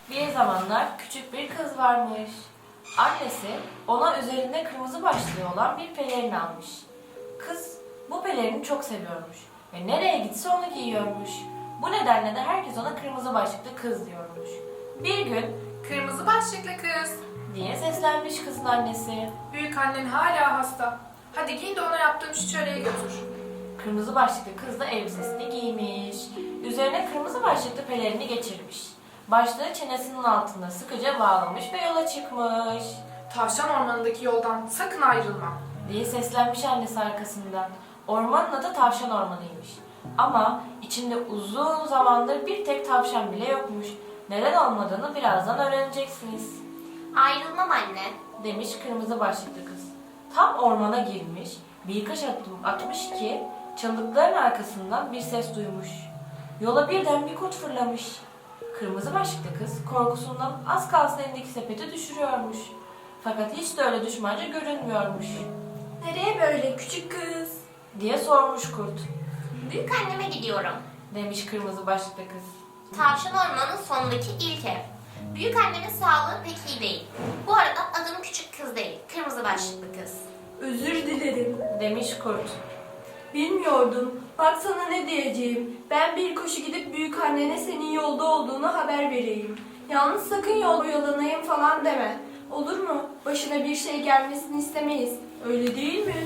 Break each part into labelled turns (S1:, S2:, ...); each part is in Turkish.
S1: Bir zamanlar küçük bir kız varmış. Annesi ona üzerinde kırmızı başlığı olan bir pelerin almış. Kız bu pelerini çok seviyormuş ve nereye gitse onu giyiyormuş. Bu nedenle de herkes ona kırmızı başlıklı kız diyormuş. Bir gün
S2: Kırmızı başlıklı kız.
S1: diye seslenmiş kızın annesi.
S2: Büyük annen hala hasta. Hadi giyin de ona yaptığım şu çöreği götür.
S1: Kırmızı başlıklı kız da elbisesini giymiş. Üzerine kırmızı başlıklı pelerini geçirmiş. Başlığı çenesinin altında sıkıca bağlamış ve yola çıkmış.
S2: Tavşan ormanındaki yoldan sakın ayrılma.
S1: Diye seslenmiş annesi arkasından. Ormanın adı Tavşan Ormanı'ymış. Ama içinde uzun zamandır bir tek tavşan bile yokmuş. Neden olmadığını birazdan öğreneceksiniz.
S3: Ayrılmam anne.
S1: Demiş kırmızı başlıklı kız. Tam ormana girmiş, birkaç adım atmış ki çalılıkların arkasından bir ses duymuş. Yola birden bir kurt fırlamış. Kırmızı başlıklı kız korkusundan az kalsın elindeki sepeti düşürüyormuş. Fakat hiç de öyle düşmanca görünmüyormuş.
S4: Nereye böyle küçük kız?
S1: Diye sormuş kurt.
S3: Büyük anneme gidiyorum.
S1: Demiş kırmızı başlıklı kız.
S3: Tavşan ormanının sonundaki ilk ev. Büyük annemin sağlığı pek iyi değil. Bu arada adım küçük kız değil, kırmızı başlıklı kız.
S4: Özür dilerim.
S1: Demiş kurt.
S4: Bilmiyordum. Bak sana ne diyeceğim. Ben bir koşu gidip büyük annene senin yolda olduğunu haber vereyim. Yalnız sakın yol oyalanayım falan deme. Olur mu? Başına bir şey gelmesini istemeyiz. Öyle değil mi?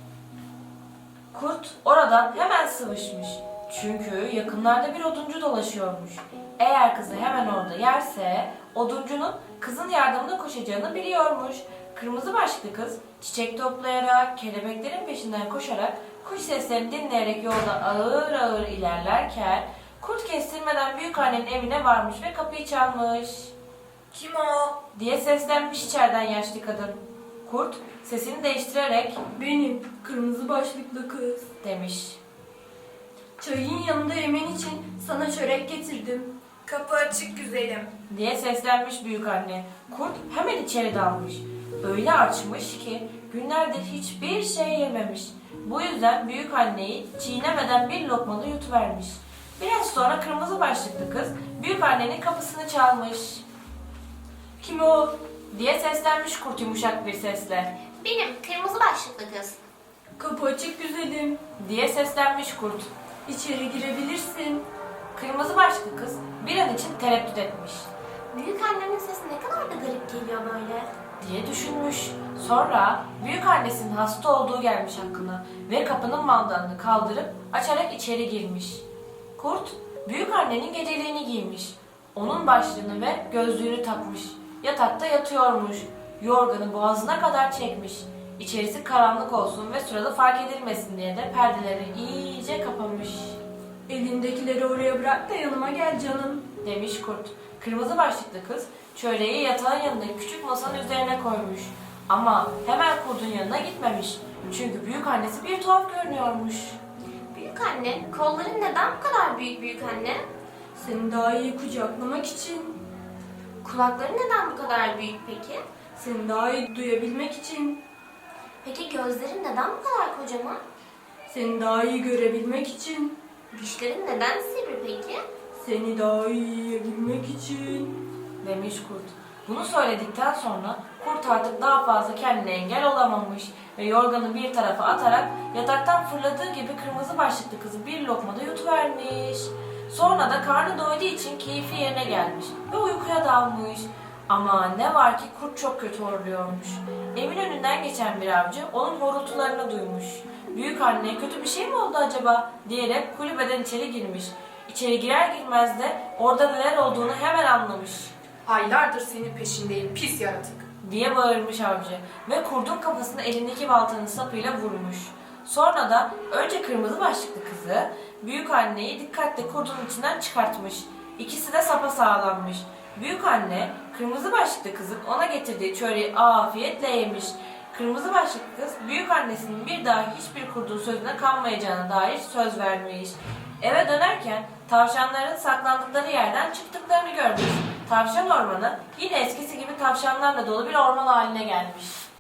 S1: Kurt oradan hemen sıvışmış. Çünkü yakınlarda bir oduncu dolaşıyormuş. Eğer kızı hemen orada yerse oduncunun kızın yardımına koşacağını biliyormuş. Kırmızı başlıklı kız çiçek toplayarak, kelebeklerin peşinden koşarak, kuş seslerini dinleyerek yolda ağır ağır ilerlerken kurt kestirmeden büyük annenin evine varmış ve kapıyı çalmış.
S4: Kim o?
S1: Diye seslenmiş içeriden yaşlı kadın. Kurt sesini değiştirerek
S4: Benim. Kırmızı başlıklı kız.
S1: demiş.
S4: Çayın yanında yemen için sana çörek getirdim. Kapı açık güzelim.
S1: Diye seslenmiş büyük anne. Kurt hemen içeri dalmış. Öyle açmış ki günlerdir hiçbir şey yememiş. Bu yüzden büyük anneyi çiğnemeden bir lokmalı yutuvermiş. Biraz sonra kırmızı başlıklı kız büyük annenin kapısını çalmış.
S4: Kim o?
S1: Diye seslenmiş kurt yumuşak bir sesle.
S3: Benim kırmızı başlıklı kız.
S4: Kapı açık güzelim.
S1: Diye seslenmiş kurt.
S4: İçeri girebilirsin.
S1: Kırmızı başlıklı kız bir an için tereddüt etmiş.
S3: Büyük annemin sesi ne kadar da garip geliyor böyle.
S1: Diye düşünmüş. Sonra büyük annesinin hasta olduğu gelmiş aklına ve kapının mandalını kaldırıp açarak içeri girmiş. Kurt büyük annenin geceliğini giymiş. Onun başlığını ve gözlüğünü takmış. Yatakta yatıyormuş. Yorganı boğazına kadar çekmiş. İçerisi karanlık olsun ve sırada fark edilmesin diye de perdeleri iyice kapamış.
S4: Elindekileri oraya bırak da yanıma gel canım.
S1: Demiş kurt. Kırmızı başlıklı kız çöreği yatağın yanındaki küçük masanın üzerine koymuş. Ama hemen kurdun yanına gitmemiş. Çünkü büyük annesi bir tuhaf görünüyormuş.
S3: Büyük anne, kolların neden bu kadar büyük anne?
S4: Seni daha iyi kucaklamak için.
S3: Kulakları neden bu kadar büyük peki?
S4: Seni daha iyi duyabilmek için.
S3: Peki gözlerin neden bu kadar kocaman?
S4: Seni daha iyi görebilmek için.
S3: Dişlerin neden sivri peki?
S4: Seni daha iyi yiyebilmek için.
S1: Demiş kurt. Bunu söyledikten sonra kurt artık daha fazla kendine engel olamamış ve yorganı bir tarafa atarak yataktan fırladığı gibi kırmızı başlıklı kızı bir lokmada yutuvermiş. Sonra da karnı doyduğu için keyfi yerine gelmiş ve uykuya dalmış. Ama ne var ki kurt çok kötü horluyormuş. Evin önünden geçen bir avcı onun horultularını duymuş. Büyük anne kötü bir şey mi oldu acaba diyerek kulübeden içeri girmiş. İçeri girer girmez de orada neler olduğunu hemen anlamış.
S2: Aylardır senin peşindeyim pis yaratık.
S1: Diye bağırmış avcı ve kurdun kafasına elindeki baltanın sapıyla vurmuş. Sonra da önce kırmızı başlıklı kızı büyük anneyi dikkatle kurdun içinden çıkartmış. İkisi de sapasağlammış. Büyük anne kırmızı başlıklı kızın ona getirdiği çöreği afiyetle yemiş. Kırmızı başlıklı kız büyük annesinin bir daha hiçbir kurdun sözüne kanmayacağına dair söz vermiş. Eve dönerken tavşanların saklandıkları yerden çıktıklarını görmüş. Tavşan ormanı yine eskisi gibi tavşanlarla dolu bir orman haline gelmiş.